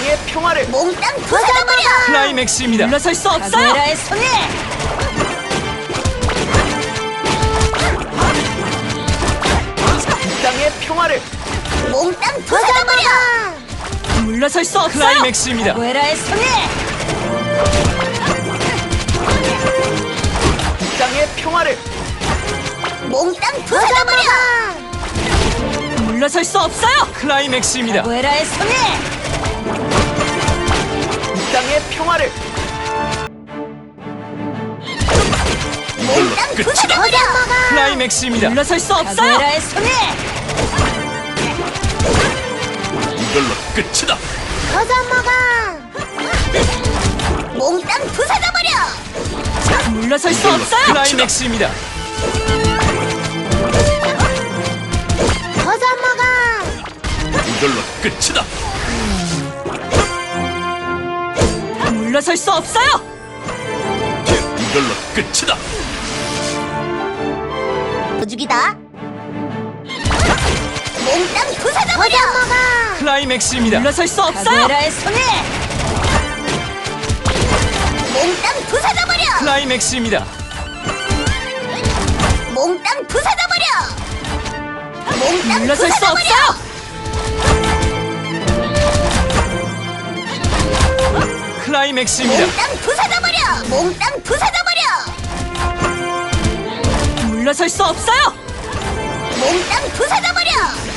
땅의 평화를 몽땅 부숴버려! 클라이맥스입니다. 물러설 수 없어요. 카게라의 손에 이 땅의 평화를 몽땅 부숴버려! 물러설 수 없어요. 클라이맥스입니다. 카게라의 손에 이 땅의 평화를 몽땅 부숴버려! 물러설 수 없어요. 클라이맥스입니다. 카게라의 손에 이 땅의 평화를 몽땅 부숴버려! 클라이맥스입니다. 물러설 수 없어요. 카게라의 손에 이걸로 끝이다. 부숴먹어! 몽땅 부숴버려! 물러설 수 없어요. 클라이맥스입니다. 부숴먹어! 이걸로 끝이다. 물러설 수 없어요. 이걸로 끝이다. 도죽이다. 몽땅 부숴버려! 클라이맥스입니다. 물러설 수 없어요. 카게라의 손에 몽땅 부숴버려! 클라이맥스입니다. 몽땅 부숴버려! 몽땅 물러설 수 부숴버려! 없어요. 클라이맥스입니다. 몽땅 부숴버려! 몽땅 부숴버려! 물러설 수 없어요. 몽땅 부숴버려!